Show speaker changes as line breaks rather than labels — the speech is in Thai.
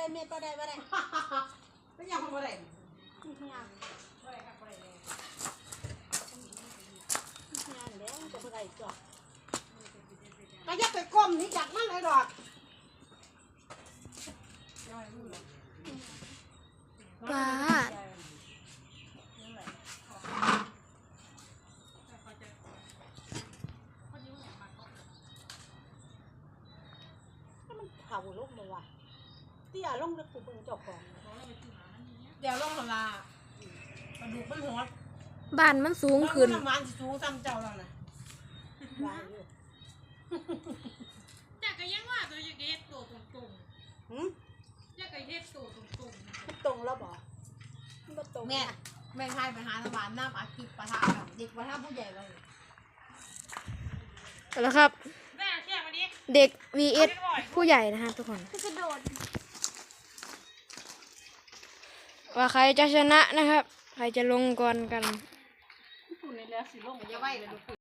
เม็ดบ่ได้
ไม่ยังบ่ได้
งานเด้จะบ่ได้จ้ะก็อย่าไปก้มนี่จากมันเลยดอก
ป้า
เข่าลงเลยว่ะเตี้ยลงแล้วกูเบิ่งเจ้าของ
เดี๋ยวลงมาปลาดุกมันหัว
บ้านมันสูงขึ้น
น้ำมันสูงซ้ำเจ้าแล้วนะ
วางอยู่
จากก็ยังว่าตัวจะเฮ็ดตัวตรงๆจากก็เฮ็ดตัวตรง
มันตรงแล้วบ่มันบ่ตรง
แม่ไทยไปหาน้ำหวานน้ำอาทิตย์ปะทะกับเด็กปะทะผู้ใหญ่เลย
แล้วครับ
ๆแม่เชื่อมาดิ
เด็ก vs ผู้ใหญ่นะครับทุกคน
กระโดด
ว่าใครจะชนะนะครับ ใครจะลงก่อนกัน
คุณในเรือสิลง
อย่าไหวเลย